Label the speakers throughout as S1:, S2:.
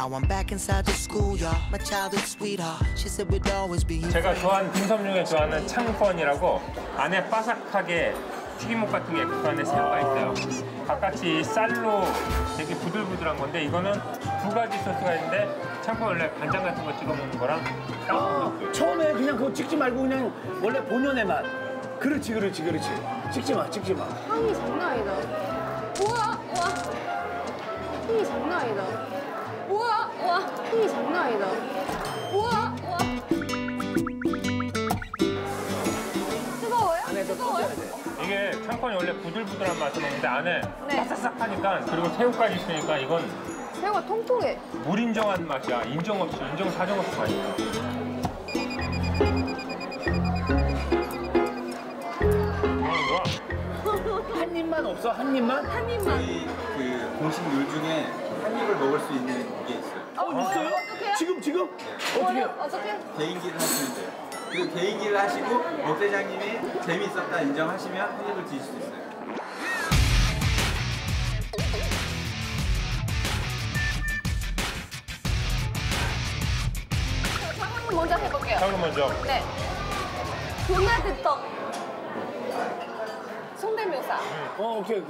S1: Now I'm back inside the schoolyard. My childhood sweetheart. She said we'd always be.
S2: 제가 좋아하는 딤섬 중에 좋아하는 창펀이라고 안에 바삭하게 튀김옷 같은 게 그 안에 새우가 있어요. 바깥이 쌀로 되게 부들부들한 건데 이거는 두 가지 소스가 있는데 창펀 원래 간장 같은 거 찍어 먹는 거랑
S3: 처음에 그냥 그거 찍지 말고 그냥 원래 본연의 맛. 그렇지. 찍지 마.
S4: 향이 장난 아니다. 우와. 향이 장난 아니다. 우와. 향이 장난 아니다. 우와. 뜨거워요?
S3: 안에서
S4: 뜨거워요?
S3: 꽂아야 돼.
S2: 이게 창펀이 원래 부들부들한 맛을 먹는데 안에
S4: 네.
S2: 바삭바삭하니까 그리고 새우까지 있으니까 이건
S4: 새우가 통통해.
S2: 무인정한 맛이야. 인정 사정 없이 맛있어.
S3: 한 입만 없어? 한 입만?
S4: 한 입만.
S5: 저희 그 공식 룰 중에 한 입을 먹을 수 있는 게 있어요.
S3: 있어요?
S4: 어떡해요?
S3: 지금? 어떻게?
S4: 어떻게?
S5: 개인기를 하시면 돼요. 그 개인기를 하시고 목대장님이 재미있었다 인정하시면 한 입을 드실 수 있어요.
S4: 장모님 먼저 해볼게요.
S2: 잠깐 먼저.
S4: 네. 도나드 떡. 성대묘사.
S3: 오케이.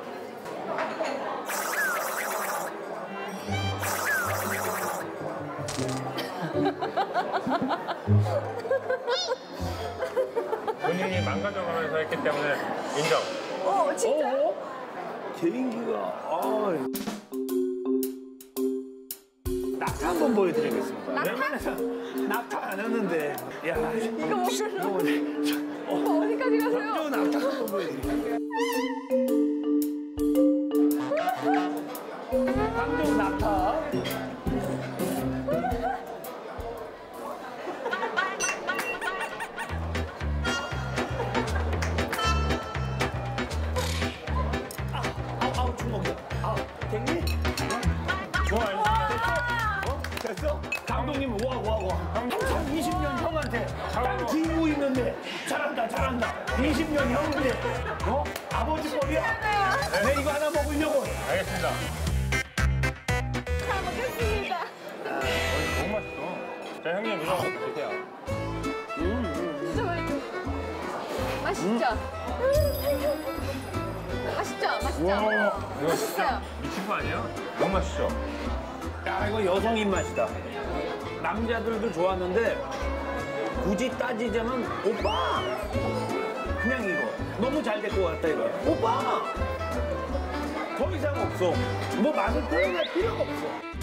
S2: 본인이 망가져가면서 했기 때문에 인정.
S4: 진짜?
S3: 개인기가 낙타 한번 보여드리겠습니다.
S4: 낙타?
S3: 낙타 안 했는데. 야,
S4: 이거 먹으러 어디까지 가세요?
S3: 저 낙타 한번 보여드릴게요. 강정 낙타. 아우 주먹이야. 됐니?
S2: 좋아요.
S3: 됐어? 감독님 와. 항상 20년 형한테 딱 기고 있는데 잘한다. 20년 형인데 아버지 뻘이야. 내 이거 하나 먹으려고.
S2: 알겠습니다.
S4: 잘 먹겠습니다.
S2: 너무 맛있어. 자, 형님 이거 드세요.
S4: 진짜 맛있죠? 맛있죠?
S2: 이거 진짜
S4: 맛있어요.
S2: 미친 거 아니에요? 너무 맛있죠?
S3: 야 이거 여성 입맛이다. 남자들도 좋아하는데 굳이 따지자면 오빠. 그냥 이거 너무 잘 될 것 같다 이거. 오빠. 더 이상 없어. 뭐 맛을 표현할 필요가 없어.